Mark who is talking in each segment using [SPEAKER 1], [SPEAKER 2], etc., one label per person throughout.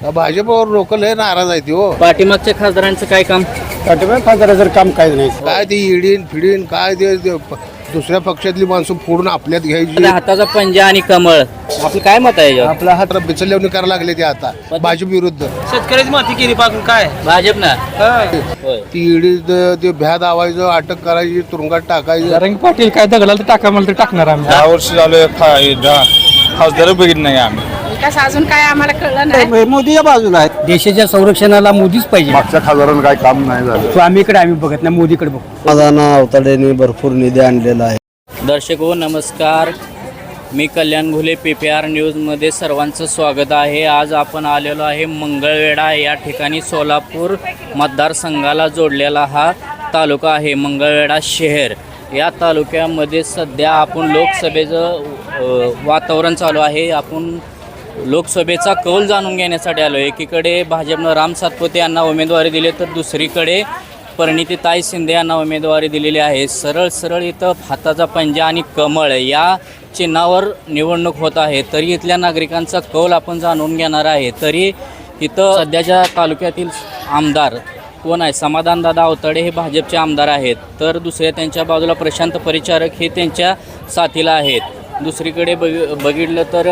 [SPEAKER 1] भाजपवर लोक लय नाराज आहेत हो.
[SPEAKER 2] पाठीमागच्या खासदारांचं काय काम?
[SPEAKER 3] खासदाराचं काम काय नाही.
[SPEAKER 1] काय ते इडीन फिडीन काय ते दुसऱ्या पक्षातली माणसं फोडून आपल्यात घ्यायची.
[SPEAKER 2] हाताचा पंजा आणि कमळ, आपलं काय मत आहे याच्यावर?
[SPEAKER 1] आपला हात बिचलवणी करायला लागले ते आता भाजप विरुद्ध.
[SPEAKER 4] शेतकऱ्याची माती केली पाकून काय
[SPEAKER 2] भाजप ना
[SPEAKER 1] ती इडी ते भ्या दावायचं, अटक करायची, तुरुंगात टाकायचं.
[SPEAKER 3] रंग पाटील काय दगडाला तर टाका मला तर टाकणार आम्ही.
[SPEAKER 5] 10 वर्ष झालं खासदार बघितलं नाही आम्ही.
[SPEAKER 6] विकास अजून काय आम्हाला कळलं नाही.
[SPEAKER 3] मोदीच्या बाजूला आहे. देशाच्या संरक्षणाला मोदीच पाहिजे.
[SPEAKER 5] मागच्या खासदारांना काय काम नाही झालं.
[SPEAKER 3] स्वामीकडे आम्ही बघत नाही, मोदीकडे बघतो.
[SPEAKER 7] माझा अवताडेने भरपूर निधी आणलेला आहे.
[SPEAKER 2] दर्शक हो नमस्कार, मी कल्याण घुले PPR न्यूजमध्ये सर्वांचं स्वागत आहे. आज आपण आलेलो आहे मंगळवेढा या ठिकाणी. सोलापूर मतदारसंघाला जोडलेला हा तालुका आहे मंगळवेढा शहर. या तालुक्यामध्ये सध्या आपण लोकसभेचं वातावरण चालू आहे. आपण लोकसभेचा कौल जाणून घेण्यासाठी आलो. एकीकडे भाजपनं राम सातपुते यांना उमेदवारी दिली, तर दुसरीकडे परिणितीताई शिंदे यांना उमेदवारी दिलेली आहे. सरळ सरळ इथं हाताचा पंजा आणि कमळ या चिन्हावर निवडणूक होत आहे. तरी इथल्या नागरिकांचा कौल आपण जाणून घेणार आहे. तरी इथं सध्याच्या तालुक्यातील आमदार कोण आहे? समाधानदादा अवताडे हे भाजपचे आमदार आहेत, तर दुसऱ्या त्यांच्या बाजूला प्रशांत परिचारक हे त्यांच्या साथीला आहेत. दुसरीकडे बघितलं तर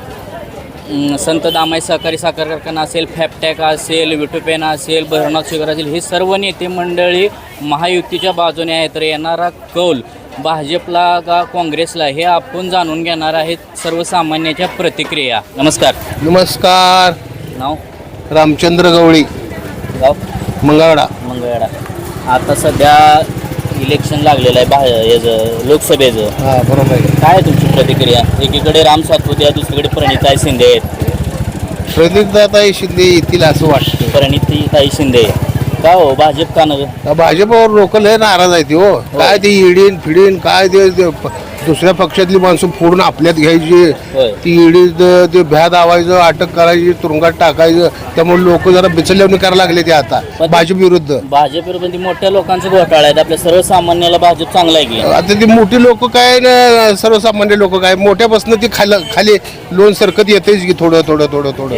[SPEAKER 2] संत दामाई सहकारी साखर कारखाना असेल, फॅपटॅक असेल, विटुपेना असेल, भैरवनाथ शुगर असेल, ही सर्व नेते मंडळी महायुतीच्या बाजूने आहेत. तर येणारा कौल भाजपला का काँग्रेसला हे आपण जाणून घेणार आहेत. सर्वसामान्याच्या प्रतिक्रिया. नमस्कार.
[SPEAKER 1] नमस्कार.
[SPEAKER 2] नाव?
[SPEAKER 1] रामचंद्र गवळी,
[SPEAKER 2] गाव?
[SPEAKER 1] मंगळवेढा.
[SPEAKER 2] मंगळवेढा. आता सध्या इलेक्शन लागलेलं आहे याचं लोकसभेचं.
[SPEAKER 1] हा बरोबर आहे.
[SPEAKER 2] काय आहे तुमची प्रतिक्रिया? एकीकडे राम सातपुते आहे, दुसरीकडे परिणितीताई शिंदे आहेत.
[SPEAKER 1] प्रणितताई शिंदे येतील असं वाटतं.
[SPEAKER 2] परिणितीताई शिंदे का हो? भाजप का नव्हे?
[SPEAKER 1] भाजपवर लोक लय नाराज आहेत हो. काय ते इडीन फिडीन काय ते दुसऱ्या पक्षातली माणसं फोडून आपल्यात घ्यायची.
[SPEAKER 2] होय.
[SPEAKER 1] ती इडी ते भ्या दावायचं, अटक करायची, तुरुंगात टाकायचं. त्यामुळे लोक जरा बिचलवणी करायला लागले ते आता भाजप विरुद्ध.
[SPEAKER 2] भाजप विरुद्ध मोठ्या लोकांचे घोटाळा आहेत. आपल्या सर्वसामान्याला भाजप चांगला आहे की?
[SPEAKER 1] आता ती मोठी लोक काय न सर्वसामान्य लोक काय मोठ्यापासून ती खाली लोन सरकत येतेच की थोडं थोडं थोडं थोडं.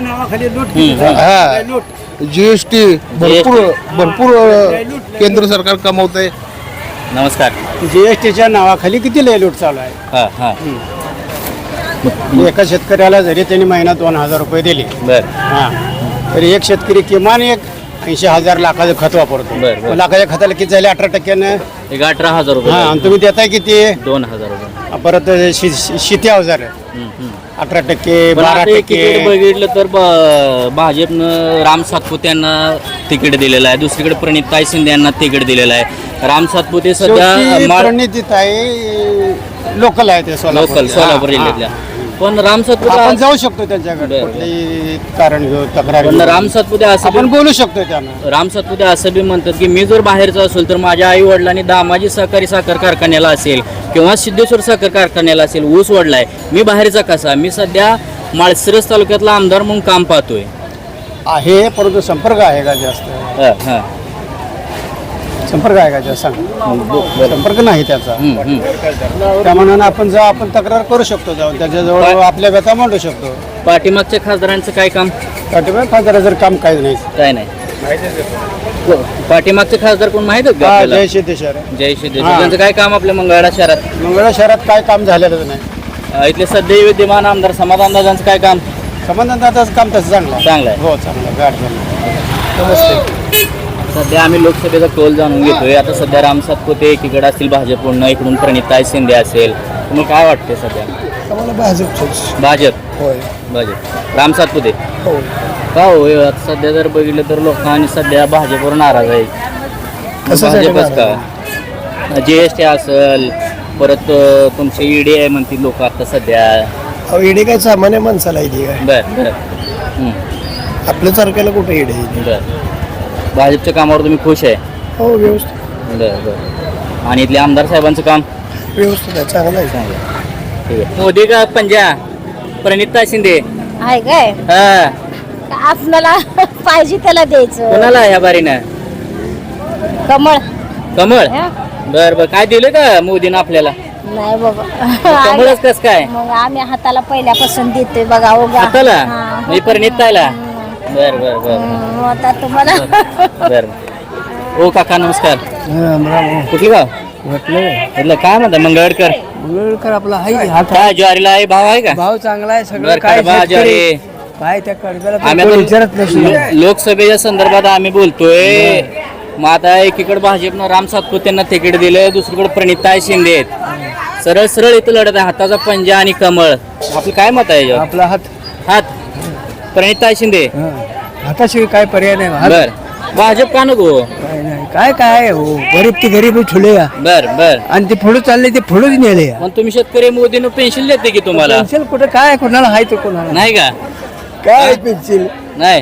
[SPEAKER 1] हा GST भरपूर केंद्र सरकार कमवत आहे.
[SPEAKER 2] नमस्कार.
[SPEAKER 3] जीएसटीच्या नावाखाली किती लय लूट चालू आहे.
[SPEAKER 2] हां हां
[SPEAKER 3] एका शेतकऱ्याला जरी त्यांनी महिना 2,000 रुपये दिले,
[SPEAKER 2] बरं
[SPEAKER 3] तरी एक शेतकरी किमान 80,000 लाखाचं खत वापरतो.
[SPEAKER 2] बरं.
[SPEAKER 3] लाखाच्या खताला किती झाले? 18%.
[SPEAKER 2] एक 18,000 रुपये.
[SPEAKER 3] आणि तुम्ही देताय किती?
[SPEAKER 2] 2,000 रुपये.
[SPEAKER 3] परत शेती अवजार 18%,
[SPEAKER 2] पण आता
[SPEAKER 3] 12%.
[SPEAKER 2] एकीकडे बघितलं तर भाजपनं राम सातपुते यांना तिकीट दिलेलं आहे, दुसरीकडे परिणितीताई शिंदे यांना तिकीट दिलेलं आहे. राम सातपुते सध्या
[SPEAKER 3] परिणितीताई लोकल आहे, ते
[SPEAKER 2] लोकल सोलापूर जिल्ह्यातल्या. पण राम सातपुते
[SPEAKER 3] आपण जाऊ शकतो त्यांच्याकडे, कुठलेही कारण घेऊ, तक्रार
[SPEAKER 2] पण राम सातपुते असं
[SPEAKER 3] आपण बोलू शकतो त्यांना.
[SPEAKER 2] राम सातपुते असं बी म्हणतात की मी जर बाहेरचा असेल तर माझ्या आई वडिलांनी दामाजी सहकारी साखर कारखान्याला असेल किंवा सिद्धेश्वर साखर कारखान्याला असेल ऊस वडलाय, मी बाहेरचा कसा? मी सध्या माळशिरस तालुक्यातला आमदार म्हणून काम पाहतोय.
[SPEAKER 3] आहे, परंतु संपर्क आहे का जास्त? संपर्क आहे का जास्त? संपर्क नाही त्याचा. त्या मनानं आपण तक्रार करू शकतो, जाऊन त्याच्याजवळ आपल्या व्यथा मांडू शकतो.
[SPEAKER 2] पाठीमागच्या खासदारांचं काय काम?
[SPEAKER 3] खासदाराचं काम काही नाही.
[SPEAKER 2] काय नाही. पाठीमागचे खासदार कोण माहित आहेत का आपल्याला?
[SPEAKER 3] जय सिद्धेश्वर.
[SPEAKER 2] जय सिद्धेश्वर. त्यांचं काय काम आपल्या मंगळवेढा शहरात?
[SPEAKER 3] मंगळवेढा शहरात काय काम झालेलं नाही.
[SPEAKER 2] इथले सध्या विद्यमान आमदार समाधानदादांचं काय काम?
[SPEAKER 3] समाधानदादाचं काम तसं चांगलं आहे. हो, चांगलं आहे. गाठ झालं. नमस्ते.
[SPEAKER 2] सध्या आम्ही लोकसभेचा कौल जाणून घेतोय. आता सध्या राम सातपुते एकीकडे असतील भाजपकडून, इकडून परिणितीताई शिंदे असेल. तुम्हाला काय वाटते सध्या?
[SPEAKER 7] आम्हाला
[SPEAKER 2] भाजप.
[SPEAKER 7] होय.
[SPEAKER 2] भाजप. राम सातपुते
[SPEAKER 7] हो.
[SPEAKER 2] का हो? आता सध्या जर बघितलं तर लोकांनी सध्या भाजपवर नाराज आहे. भाजपच का? GST असेल, परत तुमचे ED आहे म्हणतील लोक आता सध्या.
[SPEAKER 7] ईडी काय सामान्य माणसाला ईडी काय?
[SPEAKER 2] बरं.
[SPEAKER 7] आपल्या सारख्याला कुठे ईडी आहे?
[SPEAKER 2] बरं. भाजपच्या कामावर तुम्ही खुश आहे?
[SPEAKER 7] हो, व्यवस्थित.
[SPEAKER 2] बरं. आणि इथले आमदार साहेबांचं काम
[SPEAKER 7] व्यवस्थित आहे, चांगलं आहे.
[SPEAKER 2] ठीक आहे. मोदी का पंजा? परिणितीताई शिंदे
[SPEAKER 6] आहे काय?
[SPEAKER 2] हा.
[SPEAKER 6] आपल्याला पाहिजे त्याला द्यायचं.
[SPEAKER 2] कोणाला ह्या बारीनं?
[SPEAKER 6] कमळ.
[SPEAKER 2] कमळ. बरं. काय दिलं का मोदीनं आपल्याला?
[SPEAKER 6] नाही बाबा.
[SPEAKER 2] कमळच कस काय?
[SPEAKER 6] मग आम्ही हाताला पहिल्यापासून देतोय बघा.
[SPEAKER 2] हाताला? म्हणजे परिणितीताईला? बर बर बर
[SPEAKER 6] मग आता तुम्हाला
[SPEAKER 2] बर ओ काका नमस्कार कुठलं गाव म्हटलं काय म्हणता मंगळवेढकर
[SPEAKER 3] आपला हाय
[SPEAKER 2] काय ज्वारीला आहे भाव आहे का
[SPEAKER 3] भाव चांगला आहे
[SPEAKER 2] बर कडबा ज्वारी
[SPEAKER 3] काय त्या कडब्याला
[SPEAKER 2] आम्ही आता लोकसभेच्या संदर्भात आम्ही बोलतोय मग आता एकीकडे भाजपनं राम सातपुतेंना तिकीट दिलं दुसरीकडे प्रणिताई शिंदे आहेत सरळ सरळ इथं लढत आहे हाताचा पंजा आणि कमळ आपलं काय मत आहे याच्यावर?
[SPEAKER 3] आपला हात
[SPEAKER 2] हात प्रणिताई शिंदे
[SPEAKER 3] हाताशिवाय काय पर्याय नाही
[SPEAKER 2] बर भाजप का नको
[SPEAKER 3] काय नाही काय काय हो गरीब ते गरीब ठुले
[SPEAKER 2] बर बर
[SPEAKER 3] आणि ते पुढे चालले ते पुढेच नेले
[SPEAKER 2] पण तुम्ही शेतकरी मोदीनं पेन्शन देते की तुम्हाला
[SPEAKER 3] पेन्सिल कुठे काय कोणाला हाय तो कोणाला
[SPEAKER 2] नाही का
[SPEAKER 3] काय पेन्सिल
[SPEAKER 2] नाही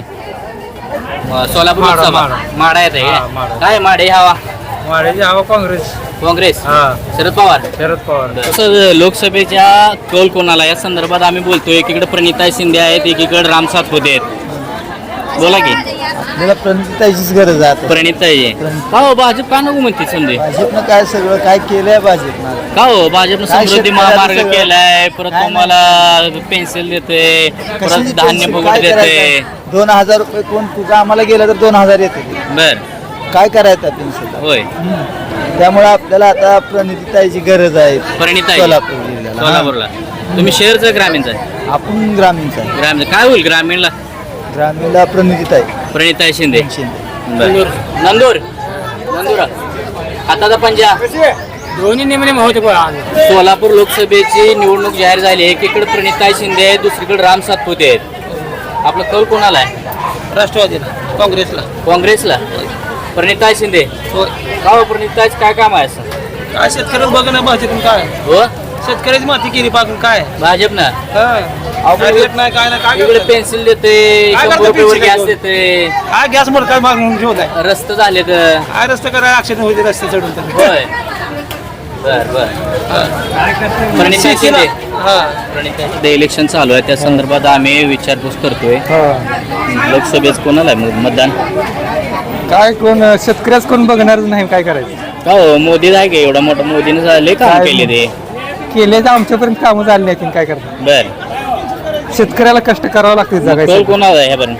[SPEAKER 2] सोलापूर लोकसभा माडा येत आहे काय माडे हवा
[SPEAKER 4] वाड्याची हवा काँग्रेस
[SPEAKER 2] काँग्रेस
[SPEAKER 4] हा
[SPEAKER 2] शरद पवार
[SPEAKER 4] शरद पवार
[SPEAKER 2] तसं लोकसभेच्या कौल कोणाला या संदर्भात आम्ही बोलतोय एकीकडे प्रणिताई शिंदे आहेत एकीकडे राम सातपुते आहेत बोला की
[SPEAKER 3] मला प्रणिताईचीच गरज आहे
[SPEAKER 2] प्रणिताई का हो भाजप का नको म्हणते समजे
[SPEAKER 3] भाजपनं काय सगळं काय केलंय भाजपनं
[SPEAKER 2] का हो भाजपनं
[SPEAKER 3] काय
[SPEAKER 2] समृद्धी
[SPEAKER 3] शेतकऱ्याचं
[SPEAKER 2] महामार्ग
[SPEAKER 3] सगळं?
[SPEAKER 2] केलाय परत
[SPEAKER 3] काय
[SPEAKER 2] तुम्हाला पेन्सिल देते परत धान्य फुकट देते
[SPEAKER 3] 2000 रुपये कोण तुझा आम्हाला गेला तर 2000 येते
[SPEAKER 2] बर
[SPEAKER 3] काय करायचं पेन्सिल
[SPEAKER 2] होय
[SPEAKER 3] त्यामुळे आपल्याला आता प्रणिताईची गरज आहे
[SPEAKER 2] प्रणिताई
[SPEAKER 3] सोलापूर जिल्ह्याला
[SPEAKER 2] सोलापूरला तुम्ही शहरचं ग्रामीणचं आहे
[SPEAKER 3] आपण ग्रामीणचा आहे.
[SPEAKER 2] ग्रामीण काय होईल ग्रामीणला
[SPEAKER 3] ग्रामीणला प्रणिताई
[SPEAKER 2] प्रणिताई शिंदे
[SPEAKER 3] शिंदे
[SPEAKER 2] बर. नंदूर नंदुरा हाताचा पंजा
[SPEAKER 4] दोन्ही नेमणे होते
[SPEAKER 2] सोलापूर लोकसभेची निवडणूक जाहीर झाली एकीकडे प्रणिताई शिंदे आहेत दुसरीकडे राम सातपुते आहेत आपलं कौल कोणाला आहे
[SPEAKER 4] राष्ट्रवादीला काँग्रेसला
[SPEAKER 2] काँग्रेसला प्रणिताई शिंदे का हो प्रणिताईच काय काम आहे असं
[SPEAKER 4] काय शेतकऱ्याला बघ ना भाजपून काय
[SPEAKER 2] हो
[SPEAKER 4] शेतकऱ्याची माती केली पाकून काय
[SPEAKER 2] भाजपनं
[SPEAKER 4] काय रेट नाही काय नाही काय
[SPEAKER 2] इकडे
[SPEAKER 4] करताय?
[SPEAKER 2] पेन्सिल देते
[SPEAKER 4] काय
[SPEAKER 2] 100
[SPEAKER 4] करता
[SPEAKER 2] रुपयावर
[SPEAKER 4] pencil
[SPEAKER 2] गॅस
[SPEAKER 4] घेऊन?
[SPEAKER 2] देते
[SPEAKER 4] काय गॅस मोड काय मागून ठेवलाय
[SPEAKER 2] रस्ते झाले तर
[SPEAKER 4] काय रस्ते करायला अक्षर होते रस्ते चढून तर
[SPEAKER 2] होय बर बर प्रणिताई शिंदे
[SPEAKER 4] हा
[SPEAKER 2] प्रणिताई शिंदे इलेक्शन चालू आहे त्या संदर्भात आम्ही विचारपूस करतोय लोकसभेत कोणाला आहे मतदान
[SPEAKER 3] काय कोण शेतकऱ्याच कोण बघणारच नाही काय करायचं
[SPEAKER 2] का हो मोदी आहे का एवढा मोठा मोदीने झाले काम
[SPEAKER 3] काय
[SPEAKER 2] केले ते
[SPEAKER 3] केले तर आमच्यापर्यंत कामं झाली नाही काय करतात
[SPEAKER 2] बर
[SPEAKER 3] शेतकऱ्याला कष्ट करावं लागते
[SPEAKER 2] कौल
[SPEAKER 3] जगायचं
[SPEAKER 2] कोणाला आहे ह्यापर्यंत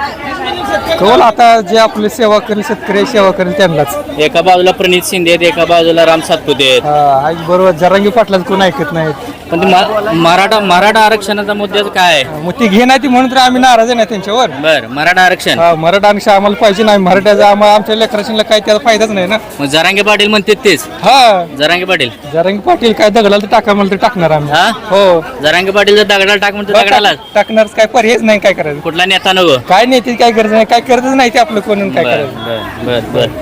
[SPEAKER 3] कौल आता जे आपली सेवा करेल शेतकरी सेवा करेल त्यांनाच
[SPEAKER 2] एका बाजूला प्रणित शिंदे आहेत एका बाजूला राम सातपुते आहेत
[SPEAKER 3] आज बरोबर जरांगी पाटलाच कोण ऐकत नाहीत
[SPEAKER 2] पण ते मराठा आरक्षणाचा मुद्द्याचं काय आहे
[SPEAKER 3] मग ती घे नाही ती म्हणून तर आम्ही नाराज आहे ना त्यांच्यावर
[SPEAKER 2] बर मराठा आरक्षण
[SPEAKER 3] मराठा आरक्षण आम्हाला पाहिजे नाही मराठ्याचा आमच्या लेकराशीला काय त्याचा फायदाच नाही ना
[SPEAKER 2] मग जरांगे पाटील म्हणते तेच
[SPEAKER 3] हा
[SPEAKER 2] जरांगे पाटील
[SPEAKER 3] जरांगी पाटील काय दगडाला तर टाका म्हणलं तर टाकणार आम्ही
[SPEAKER 2] हा
[SPEAKER 3] हो
[SPEAKER 2] जरांगे पाटील जर दगडाला टाक म्हणतो दगडाला
[SPEAKER 3] टाकणार काय पर्यायच नाही काय करायचं
[SPEAKER 2] कुठला नेता नको
[SPEAKER 3] काय नाही ते काय गरज नाही काय करतच नाही ते आपलं कोण काय
[SPEAKER 2] बर
[SPEAKER 3] करायचं
[SPEAKER 2] बर बर बर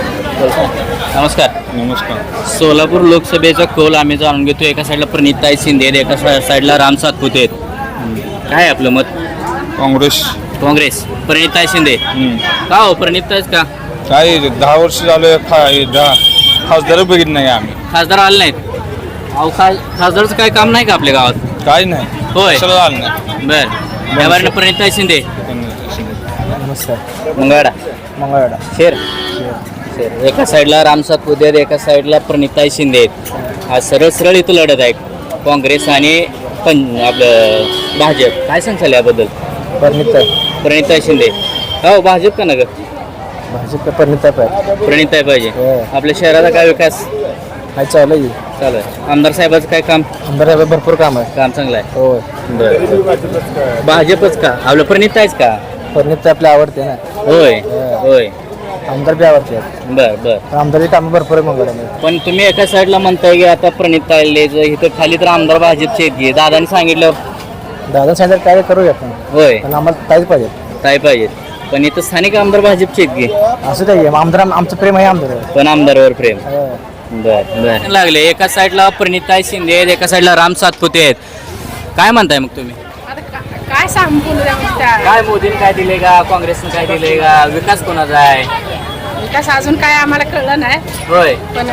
[SPEAKER 2] नमस्कार
[SPEAKER 5] नमस्कार
[SPEAKER 2] सोलापूर लोकसभेचा कौल आम्ही जाणून घेतो एका साईडला प्रणिताई शिंदे आहेत एका साईडला राम सातपुते आहेत काय आहे आपलं मत
[SPEAKER 5] काँग्रेस
[SPEAKER 2] काँग्रेस प्रणिताई शिंदे का हो प्रणिताईच का
[SPEAKER 5] काय 10 वर्ष झालं खासदार बघितलं नाही आम्ही
[SPEAKER 2] खासदार आले नाहीत अहो खासदारचं काय काम नाही का आपल्या गावात
[SPEAKER 5] काय नाही
[SPEAKER 2] होय
[SPEAKER 5] कशाला झालं नाही
[SPEAKER 2] बर यावर प्रणिताई शिंदे
[SPEAKER 3] नमस्कार
[SPEAKER 2] मंगळवाडा
[SPEAKER 3] मंगळवाडा
[SPEAKER 2] शेर एका साईडला राम सातपुते आहेत एका साईडला प्रणिताई शिंदे आहेत आज सरळ सरळ इथं लढत आहे काँग्रेस आणि आपलं भाजप काय सांगताल याबद्दल प्रणिताई शिंदे हो भाजप का नगर
[SPEAKER 3] भाजप
[SPEAKER 2] प्रणिताई पाहिजे आपल्या शहराचा काय विकास
[SPEAKER 3] काय चालू आहे
[SPEAKER 2] चालू आहे आमदार साहेबाचं काय काम
[SPEAKER 3] आमदार भरपूर काम आहे
[SPEAKER 2] काम चांगलं आहे
[SPEAKER 3] हो
[SPEAKER 2] बरं भाजपच का आपलं प्रणिताईच का
[SPEAKER 3] फर्निचर आपल्या आवडते ना
[SPEAKER 2] होय होय
[SPEAKER 3] आमदार बी आवडते
[SPEAKER 2] बर बर
[SPEAKER 3] आमदारची कामं भरपूर आहे मंगळवार
[SPEAKER 2] पण तुम्ही एका साईडला म्हणताय की आता प्रणिताईले इथं खाली तर आमदार भाजपचे आहेत दादाने सांगितलं
[SPEAKER 3] दादा सांगितलं काय करूया आपण
[SPEAKER 2] होय
[SPEAKER 3] पण आम्हाला ताईच पाहिजे
[SPEAKER 2] काय पाहिजेत पण इथं स्थानिक आमदार भाजपचे आहेत की
[SPEAKER 3] असं काही आमदार आमचं प्रेम आहे आमदार
[SPEAKER 2] पण आमदारवर प्रेम बर बर लागले एका साईडला प्रणिताई शिंदे आहेत एका साईडला राम सातपुते आहेत काय म्हणताय मग तुम्ही
[SPEAKER 8] काय सांगू बोलू द्या म्हणजे त्या
[SPEAKER 2] काय मोदीने काय दिले का काँग्रेसने काय दिले का विकास कोणाचा आहे
[SPEAKER 8] विकास अजून काय आम्हाला कळलं नाही
[SPEAKER 2] होय
[SPEAKER 8] पण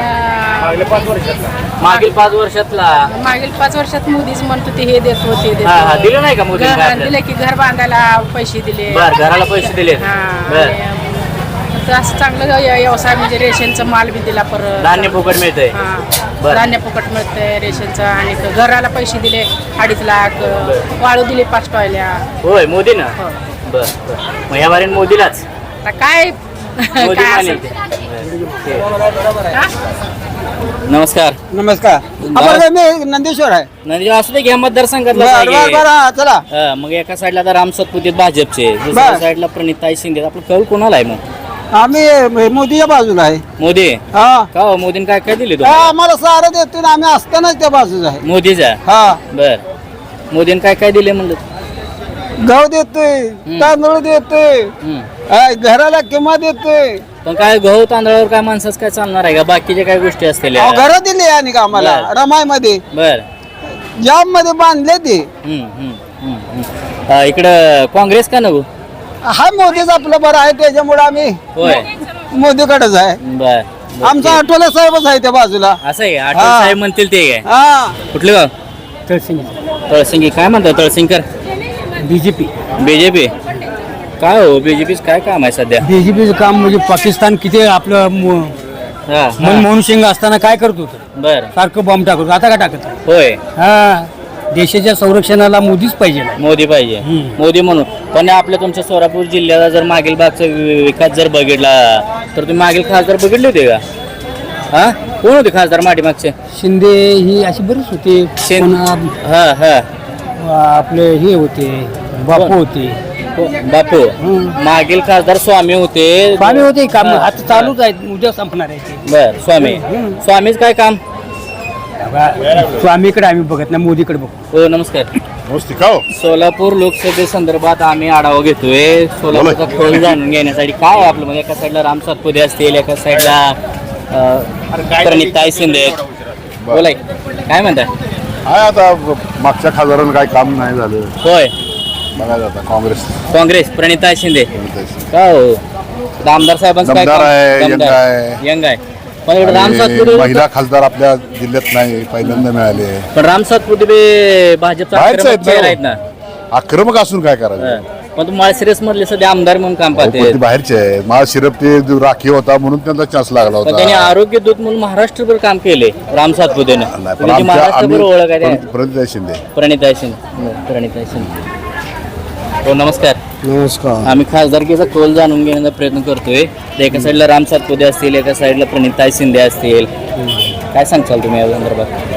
[SPEAKER 2] मागील 5 वर्षातला
[SPEAKER 8] मागील 5 वर्षात मोदीच म्हणतो ते हे देतो ते
[SPEAKER 2] हा हा
[SPEAKER 8] देतो
[SPEAKER 2] दिलं नाही का मोदीने काय आपल्याला?
[SPEAKER 8] दिले की घर बांधायला पैसे दिले
[SPEAKER 2] बर घराला पैसे दिले
[SPEAKER 8] हा
[SPEAKER 2] बर
[SPEAKER 8] आणि तर असं चांगलं व्यवसाय म्हणजे रेशनचा माल बी दिला परत
[SPEAKER 2] धान्य फुकट मिळतंय
[SPEAKER 8] हा
[SPEAKER 2] बर.
[SPEAKER 8] धान्य फुकट मिळतंय रेशनचं आणि घराला पैसे दिले 2.5 लाख वाळू दिले 5 टॉयल्या
[SPEAKER 2] होय मोदीनं बर मग या बारीन मोदीलाच
[SPEAKER 8] आता काय
[SPEAKER 2] मोदी
[SPEAKER 8] काय
[SPEAKER 2] मानेल
[SPEAKER 8] असेल
[SPEAKER 2] ते. नमस्कार
[SPEAKER 3] नमस्कार आपण काय मी नंदेश्वर आहे
[SPEAKER 2] म्हणजे असं ते घ्या मतदारसंघातला
[SPEAKER 3] बर
[SPEAKER 2] जागे.
[SPEAKER 3] बर बर चला
[SPEAKER 2] हा, मग एका साईडला तर राम सातपुते भाजपचे दुसऱ्या
[SPEAKER 3] बर.
[SPEAKER 2] साईडला प्रणिताई शिंदे आपलं कौल कोणाला आहे मग
[SPEAKER 3] आम्ही मोदीच्या बाजूला आहे
[SPEAKER 2] मोदी
[SPEAKER 3] हा
[SPEAKER 2] का हो मोदीने काय काय दिले
[SPEAKER 3] हा,
[SPEAKER 2] तुम्हाला
[SPEAKER 3] आम्हाला सारं देतो ना आम्ही असतानाच त्या बाजूला आहे
[SPEAKER 2] मोदीचा
[SPEAKER 3] हा
[SPEAKER 2] बर मोदीने काय काय दिले म्हणलं
[SPEAKER 3] गहू देतोय तांदूळ देतोय
[SPEAKER 2] हम्म.
[SPEAKER 3] घराला किंमत देतोय
[SPEAKER 2] पण काय गहू तांदळावर काय माणसाच काय चालणार आहे का बाकीच्या काय गोष्टी असतील
[SPEAKER 3] घर दिले आणि का आम्हाला
[SPEAKER 2] बर.
[SPEAKER 3] रमाई मध्ये
[SPEAKER 2] बर
[SPEAKER 3] जाम मध्ये बांधले ते
[SPEAKER 2] इकडं काँग्रेस का नको
[SPEAKER 3] हा मोदीच आपलं बरं आहे त्याच्यामुळे आम्ही
[SPEAKER 2] होय
[SPEAKER 3] मोदीकडेच आहे
[SPEAKER 2] बर
[SPEAKER 3] आमचा आठवले साहेबच आहे त्या बाजूला
[SPEAKER 2] असं आहे आठवले
[SPEAKER 3] हा.
[SPEAKER 2] साहेब म्हणतील ते काय
[SPEAKER 3] हा
[SPEAKER 2] कुठलं गाव तळसिंगी काय म्हणतात तळसिंगकर
[SPEAKER 3] बीजेपी
[SPEAKER 2] बीजेपी काय हो बीजेपीच काय काम आहे सध्या
[SPEAKER 3] बीजेपीचं काम म्हणजे पाकिस्तान किती आपलं
[SPEAKER 2] हा, हा.
[SPEAKER 3] मनमोहन सिंग असताना काय करत होतं
[SPEAKER 2] बर
[SPEAKER 3] सारखं बॉम्ब टाकत होतं. आता काय टाकत आहे?
[SPEAKER 2] होय
[SPEAKER 3] हा देशाच्या संरक्षणाला मोदीच पाहिजे
[SPEAKER 2] मोदी पाहिजे
[SPEAKER 3] हम्म.
[SPEAKER 2] मोदी म्हणून पण आपल्या तुमच्या सोलापूर जिल्ह्याचा जर मागील भागचा विकास जर बघितला तर तुम्ही मागील खासदार बघितले होते का हा कोण होते खासदार मागचे
[SPEAKER 3] शिंदे ही अशी बरीच होते पुन्हा,
[SPEAKER 2] हा हा
[SPEAKER 3] आपले हे होते बापू होते
[SPEAKER 2] बापू मागील खासदार स्वामी होते
[SPEAKER 3] स्वामी होते काम
[SPEAKER 2] हा,
[SPEAKER 3] आता चालूच आहे उद्या संपणार आहे ते
[SPEAKER 2] बर स्वामी स्वामीच काय काम
[SPEAKER 3] स्वामीकडे आम्ही बघत नाही मोदीकडे बघतो
[SPEAKER 2] हो नमस्कार सोलापूर लोकसभेसंदर्भात आम्ही आढावा घेतोय सोलापूरचा खोल जाणून घेण्यासाठी काय आहे आपलं म्हणजे एका साईडला राम सातपुते असतील एका साईडला प्रणिताई शिंदे आहेत. बोलाय काय म्हणताय
[SPEAKER 9] काय आता मागच्या खासदारांना काय काम नाही झालं
[SPEAKER 2] होय
[SPEAKER 9] बघायचं आता
[SPEAKER 2] काँग्रेस प्रणिताई शिंदे का हो आता आमदार साहेबांचं काय
[SPEAKER 9] दमदार आहे,
[SPEAKER 2] काम?
[SPEAKER 9] यंग आहे.
[SPEAKER 2] यंग आहे पण एवढं राम
[SPEAKER 9] आणि
[SPEAKER 2] सातपुते
[SPEAKER 9] महिला खासदार आपल्या जिल्ह्यात नाही पहिल्यांदा मिळाले
[SPEAKER 2] पण राम सातपुते बे भाजपचा
[SPEAKER 9] बाहेरचे
[SPEAKER 2] आक्रमक चेहरा आहेत ना
[SPEAKER 9] आक्रमक असून काय करायचं
[SPEAKER 2] हं. पण तुम्हाला माळशिरस मधले सध्या आमदार म्हणून काम
[SPEAKER 9] अहो, पण
[SPEAKER 2] पाहते
[SPEAKER 9] ते बाहेरचे आहे मला शिरप ते जो राखीव होता म्हणून त्यांचा चान्स लागला
[SPEAKER 2] पण त्यांनी
[SPEAKER 9] होता
[SPEAKER 2] आरोग्य दूत म्हणून महाराष्ट्रभर काम केले राम सातपुतेने
[SPEAKER 9] नाही, पण
[SPEAKER 2] त्यांची
[SPEAKER 9] आमच्या
[SPEAKER 2] महाराष्ट्रभर ओळख आहे
[SPEAKER 9] आम्ही प्रणिताई शिंदे
[SPEAKER 2] प्रणिताई शिंदे हो नमस्कार
[SPEAKER 3] नमस्कार
[SPEAKER 2] आम्ही खासदारकीचा कौल जाणून घेण्याचा प्रयत्न करतोय तर एका साईडला राम सातपुते असतील एका साईडला प्रणिताई शिंदे असतील काय सांगचाल तुम्ही या संदर्भात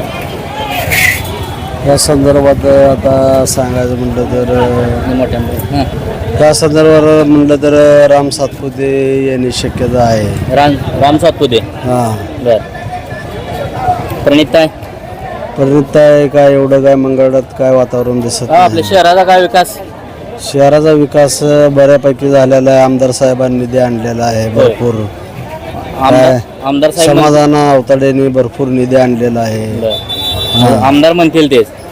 [SPEAKER 3] या संदर्भात आता सांगायचं म्हटलं तर
[SPEAKER 2] मोठ्या
[SPEAKER 3] त्या संदर्भात म्हटलं तर राम सातपुते यांनी शक्यता आहे
[SPEAKER 2] राम सातपुते
[SPEAKER 3] हा
[SPEAKER 2] बर प्रणिताई
[SPEAKER 3] परिणित आहे काय एवढं काय मंगळात काय वातावरण दिसत
[SPEAKER 2] आपल्या
[SPEAKER 3] नाही
[SPEAKER 2] शहराचा काय विकास
[SPEAKER 3] शहराचा विकास बऱ्यापैकी झालेला आहे आमदार साहेबांनी निधी आणलेला आहे भरपूर
[SPEAKER 2] आमदार साहेब
[SPEAKER 3] समाधान अवताडेंनी भरपूर निधी आणलेला आहे
[SPEAKER 2] बरं. आमदार म्हणतील तेच